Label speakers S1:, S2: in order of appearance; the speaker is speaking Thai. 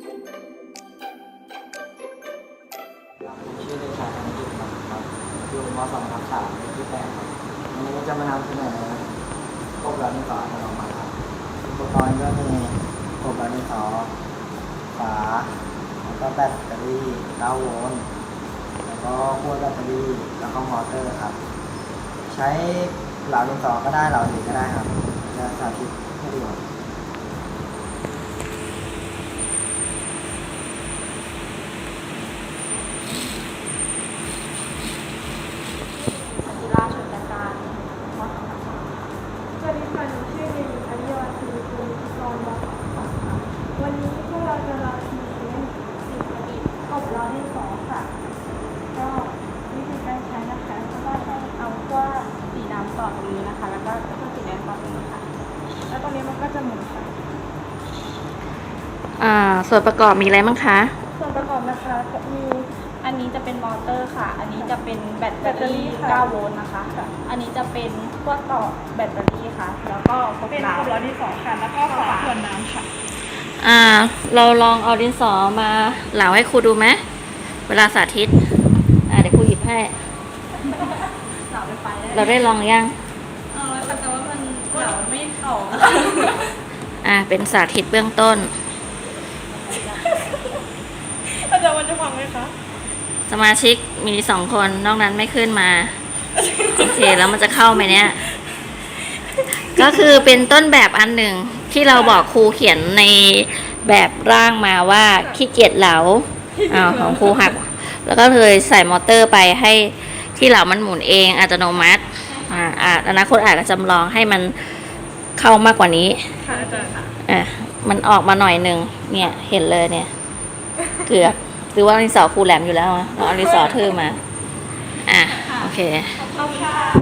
S1: ชื่อเด็กชายธนกิจครับอยู่ม .2 ทับ 3เลขที่ 8ครับวันนี้จะมานำเสนอพวกเราดินสออัตโนมัติครับอุปกรณ์ก็มีพวกเราดินสอฝาแล้วก็แบตเตอรี่9 โวลต์แล้วก็ขั้วแบตเตอรี่แล้วก็มอเตอร์ครับใช้เหลาดินสอก็ได้เหลาอื่นก็ได้ครับจะสาธิตให้ดูครับ
S2: ศิลาชนกันการมอส
S3: สวัสดีค่ะหนูชื่อเด็กหญิงอริยวัฒน์ศิริกุลพิกรม .2 ค่ะวันนี้พวกเราจะมาพรีเซนต์สิ่งประดิษฐ์อบล้อดินสอค่ะ ก็วิธีการใช้นะคะก็ให้เอาขั้ว
S2: สีดำต่อตรงนี้นะคะ แล้วก็สีแดงต่อตรงนี้ค่ะ
S3: แล้วตรงนี้มันก็จะหมุนค่ะ
S4: ส่วนประกอบมีอะไรบ้างคะ
S3: ส่วนประกอบนะคะจะมี
S2: อันนี้จะเป็นมอเตอร์ค่ะ อันนี้จะเป็นแบตเตอ
S3: แบตเตอรี่
S2: รี่
S3: ค่ะ
S2: 9 โวลต์นะคะ อันนี้จะเป็นขั้วต่อแบตเตอรี่ค่ะ แล้วก็
S3: เป็น
S2: กาว
S3: อบล้อดินสอค่ะ แล้วก็ฝาขวดน้ำค่ะ
S4: เราลองเอาดินสอมาเหลาให้ครูดูไหมเวลาสาธิตเดี๋ยวครูหยิบให้
S2: เหลาไปไฟ
S4: เราได้ลองยัง
S2: แต่ว่ามันเหลาไม่เข้า
S4: เป็นสาธิตเบื้องต้น
S3: อาจารย์วันจะฟังไหมคะ
S4: สมาชิกมี2 คนนอกนั้นไม่ขึ้นมา โอเคแล้วมันจะเข้าไหมเนี่ย ก็คือเป็นต้นแบบอันหนึ่งที่เราบอกครูเขียนในแบบร่างมาว่าขี้เกียจเหลาของครูหัก แล้วก็เลยใส่มอเตอร์ไปให้ที่เหลามันหมุนเองอัตโนมัติอนาคตอาจจะจำลองให้มันเข้ามากกว่านี้
S3: ค่ะอาจารย์ค่ะ
S4: มันออกมาหน่อยหนึ่งเนี่ยเห็นเลยเนี่ย เกือบหรือว่าดินสอครูแหลมอยู่แล้วเอาดินสอทื่อมาโอเค
S3: ขอบคุณค่ะ